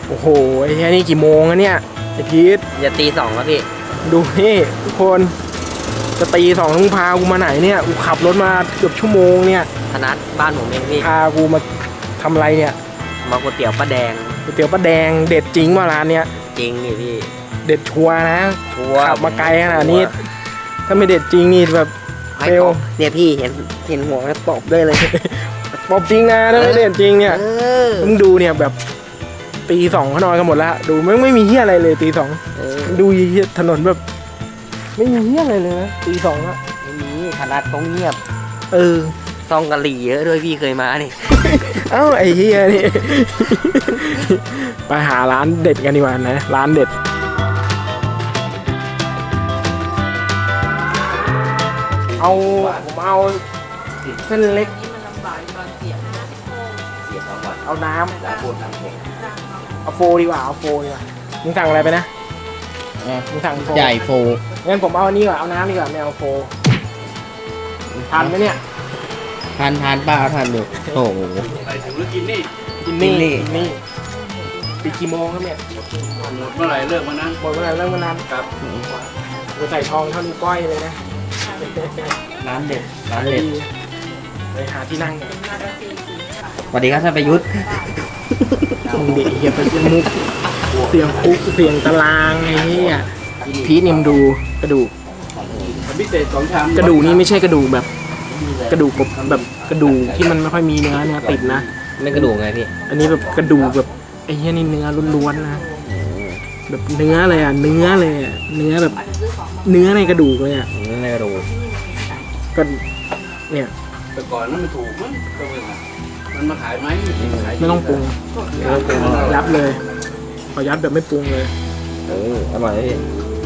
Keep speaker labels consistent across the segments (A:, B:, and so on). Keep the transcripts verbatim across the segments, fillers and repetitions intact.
A: โอ้โหไอ้แค่นี้กี่โมงอะเนี่ยไอ้พีท
B: จะตีสองแล้วพี่
A: ดูนี่ทุกคนจะตีสองมึงพากูมาไหนเนี่ยกูขับรถมาเกือบชั่วโมงเนี่ย
B: ธนัทบ้านผมเองพี่
A: พากูมาทำอะไรเนี่ย
B: มาก๋วยเตี๋ยวป้าแดง
A: ก๋วยเตี๋ยวป้าแดงเด็ดจริงว่าร้านเนี้ย
B: จริงนี่พี่
A: เด็ดชัวร์นะ
B: ชัวร์
A: ขับมาไกลขนาดนี้ถ้าไม่เด็ดจริงนี่แบบเฟล
B: เนี่ยพี่เห็นเห็นหัวแล้วตบได้เลย
A: ตบจริงนะถ้าไม่เด็ดจริงเนี่ยมึงดูเนี่ยแบบตีสองเขานอนกันหมดแล้วดูไม่ไม่มีเหี้ยอะไรเลยตีสองดูถนนแบบไม่มีเหี้ยอะไรเลยนะตีสองอะ
B: ไม่มีธนัทต้องเงียบ
A: เออ
B: ซองกะหรี่เยอะด้วยพี่เคยมานี่
A: เอ้าไอ้เหี้ยนี่ไปหาร้านเด็ดกันดีกว่านะร้านเด็ดเอาผมเอาเส้นเล็กเอาน้ำเอาโฟดีกว่าเอาโฟดีกว่ามึงสั่งอะไรไปนะมึงสั่งโฟ
B: ใหญ่โฟ
A: งั้นผมเอาอันนี้ก่อนเอาน้ำดีกว่าไม่เอาโฟทานไหมเนี่ย
B: ทานทานป้าทานดูโอ้โห
A: กินนี่กินนี่กินนี่ปีกี่โมงครับเนี่ย
C: หมดเมื่อไหร่เลิกวันนั้น
A: หมดเมื่อไหร่เลิกวันนั้น
C: ครับ
A: เราใส่ทองเท่านิ้วก้อยเลยนะ
B: ร้านเด็ดร้านเด็ด
A: ไปหาที่นั่ง
B: สวัสดีครับท่านประยุทธ์
A: มึงเด็กเหี้ยไปเสียงมุกเสียงคุกเสียงตารางไอ้นี่อ่ะพีทนิมดูกระดูก
C: พิเศษสองชาม
A: กระดูกนี่ไม่ใช่กระดูกแบบกระดูกแบบกระดูกที่มันไม่ค่อยมีเนื้อเนื้อติดนะ
B: ไม่กระดูกไงพี่
A: อันนี้แบบกระดูกแบบไอ้เหี้ยนี่เนื้อล้วนๆนะแบบเนื้อเลยอ่ะเนื้อเลยอ่ะเนื้อแบบเนื้อในกระดูกเลยอ่ะ
B: เนื้อในกระดูก
A: ก็เนี่ย
C: แต่ก่อนนั้นมันถูกมั้งก็เป็นมันมาขายไหม
A: ไม่ต้องปรุงยัดเลยขอยัดแบบไม่ปรุงเลย
B: เอออร่อยพี่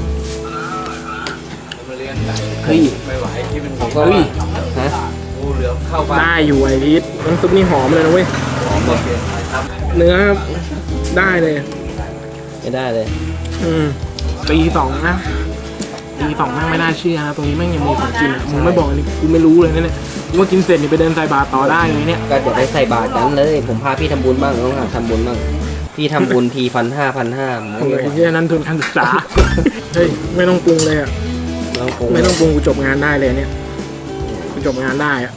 A: เฮ้ย
C: ไม่ไหวที่มัน
A: เฮ้ย
C: ฮะงูเหลือมเข้าบ้าน
A: ได้อยู่ไอ้พีทน้ำซุปนี่หอมเลยนะเว้ย
C: หอมเลย
A: เนื้อได้เลย
B: ไม่ได้เลย
A: อืมตีสองนะตีสองแม่งไม่น่าเชื่อนะตรงนี้แม่งยังมีของกินอ่ะมึงไม่บอกอันนี้กูไม่รู้เลยนะเนี่ยกูว่ากินเสร็จนี่ไปเดินใส่บาตรต่อได้เลยเนี่ย
B: ก็เดี๋ยวไปใส่บาตรกันเลยผมพาพี่ทำบุญบ้างต้องหาทำบุญบ้างพี่ทำบุญทีพันห้าพันห้า
A: โอ้ยที่นั้นทุนการศึกษาเฮ้ยไม่ต้องปรุงเลยอ่ะไม่ต้องปรุงกูจบงานได้เลยเนี่ยกูจบงานได้อ่ะ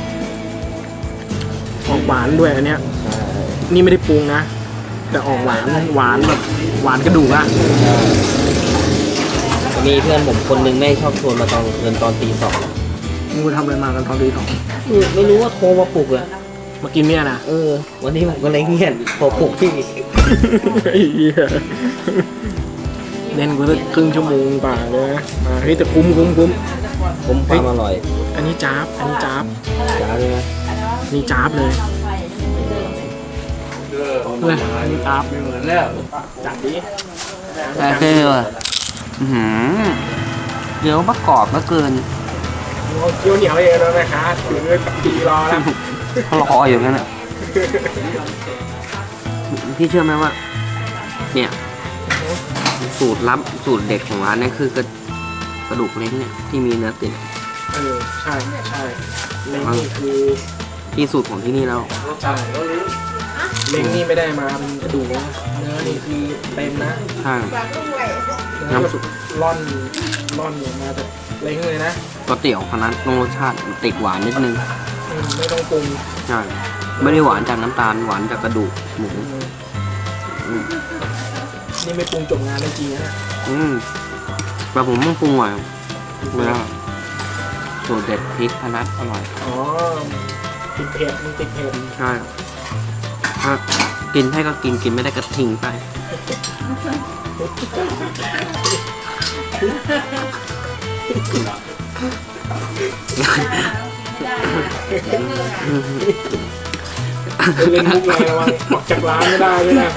A: ออกหวานด้วยอันเนี้ยนี่ไม่ได้ปรุงนะแต่ออกหวานหวานแบบหวานกระดูกอะ
B: มีเพื่อนผมคนนึงไม่ชอบชวนมาตอนเงินตอนตีสอง
A: มึงไปทำอะไรมากันตอนตีสอง
B: ไม่รู้ว่าโทรมาปลุกเลย
A: มากินเนี่ยนะ
B: เออวันนี้ผมก็เลยเงียบโทรปลุกพี่
A: เล่นกูสักครึ่งชั่วโมงกว่าเลยนะมาเฮ้ยแต่คุ้มคุ้มคุ้ม
B: คุ้มความอร่อย
A: อันนี้จ๊าบอันนี้จ๊าบ
B: จ๊าบเลยนะ
A: นี่จ๊าบเลยเลยนี่จ๊าบ
C: ไม่เหมือนแล้ว
A: จัดดิ
B: แต่คือว่าเดี๋ยวประกอบมาเกิน
A: เกี๊ยวเหนียวเองแล้วนะคะถือตีรอแล้ว
B: เขารออยู่งั้นอ่ะพี่เชื่อไหมว่าเนี่ยสูตรลับสูตรเด็ดของร้านนี้คือกระกระดูกเล้งเนี่ยที่มีเนื้อติด
A: เออใช่ใช่เล้งนี่คือ
B: ที่สูตรของที่นี่แล้ว
A: ใช่เล้งนี่ไม่ได้มาเป็นกระดูกนะเนื้อนี่คือเต็มนะ
B: ใช่
A: น้ำสุดร่อนร่อนออกมาแต่เล้งเลยนะ
B: ก๋วยเตี๋ยวคนนั้นรสชาติติดหวานนิดนึง
A: ไม่ต้องปรุง
B: ใช่ไม่ได้หวานจากน้ำตาลหวานจากกระดูกหมู
A: นี่ไม่ปรุงจบงานได้จริงนะ
B: อืมแต่ผมต้องปรุงหน่อยเวลาสูตรเด็ดพริกพนัทอร่อย
A: อ๋อติดเผ็ดมันติดเผ็ด
B: ใช่ถ้ากินให้ก็กินกินไม่ได้ก็ทิ้งไป
A: เล่นมุกอะไรระวังออกจากร้านไม่ได้ด้วยนะ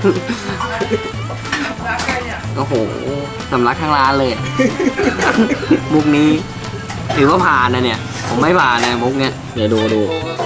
B: โอ้โหสำลักทั้งร้านเลยมุกนี้ถือว่าผ่านนะเนี่ยผมไม่ผ่านนะมุกเนี้ยเดี๋ยวดูดู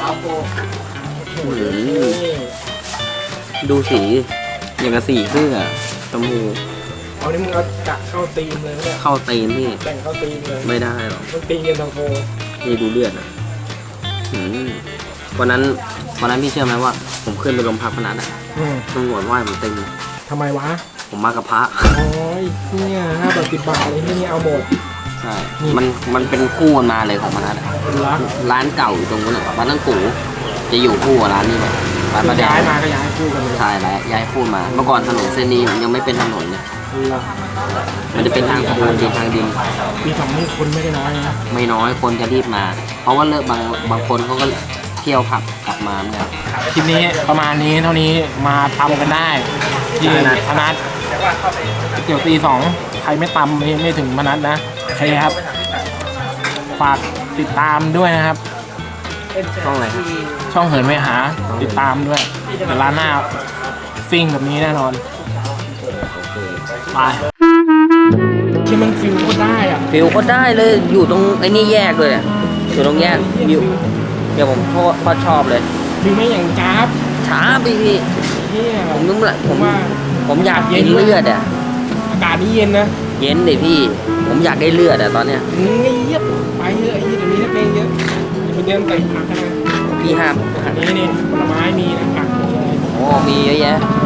B: ดูสีอย่างกับสีเสื้อตะมู
A: เอานี่มึงเอากะเข้าตีมเลยเนี่ย
B: เข้าตีมพี่
A: แต่งเข้าตีมเลย
B: ไม่ได้หรอก
A: มันตีเย็นทางโฟ
B: นี่ดูเลือดอ่ะวันนั้นวันนั้นพี่เชื่อไหมว่าผมขึ้นไปโรงพักพนัสอ่ะ
A: อืม
B: ตำรวจว่าผมตึง
A: ทำไมวะ
B: ผมมากับพระ
A: โอ้ยเนี่ยห้าบาทสิบบาทอะไรที่นี่เอาหมด
B: ใช่มันมันเป็นคู่กันมาเลยของมันนะ
A: เป็นรัก
B: ร้านเก่าอยู่ตรงนู้นอะร้านตั้งกูจะอยู่คู่กับร้านนี้เลยร้าน
A: คือ
B: มาแด
A: ย้าง ยมาก็ย้ายคู่กันเลย
B: ใช่แล้วย้ายคู่มา เมื่อก่อนถนนเส้นนี้ยังไม่เป็นถนนเลย
A: เหรอ
B: มันจะเป็นทางปูนเป็นทางดิน
A: ปีสองนี่คนไม่ได้น้อยนะ
B: ไม่น้อยคนจะรีบมา เพราะว่าเลิกบางบางคนเขาก็เที่ยวผับกลับมาเหมือนกัน
A: คลิปนี้ประมาณนี้เท่านี้มาตำกันได้ที่
B: พนัส
A: พนัสเดี๋ยวตีสองใครไม่ตำไม่ไม่ถึงพนัสนะโอเคครับฝากติดตามด้วยนะครับ
B: ช่องอะไรครับ
A: ช่องเหินไปหาติดตามด้วยแต่ร้านหน้าฟิ่งแบบนี้แน่นอนไปที่มันฟิลก็ได้อ่ะ
B: ฟิลก็ได้เลยอยู่ตรงไอ้นี่แยกเลยอะอยู่ตรงแยกวิวเดี๋ยวผมโคตรโคตรชอบเลย
A: ฟิลไม่อย่างจ้าบ
B: ช้าไปพี่
A: เฮีย
B: ผมนึกละผม
A: ว่า
B: ผมอยากกินเลือดอ่ะ
A: อากาศนี่เย็นนะ
B: เย็นดิพี่ ผมอยากได้เลือดอ่ะตอนเนี้ย
A: อืมเงียบไปเยอะไอ้เหี้ยเดี๋ยวนี้นักเลงเยอะอย่าไปเดินเตะผักกันนะ
B: พี่ห้าม
A: อันนี้นี่ผลไม้มีนะผักมีอะไร
B: โอ้มีเยอะแยะ
A: เ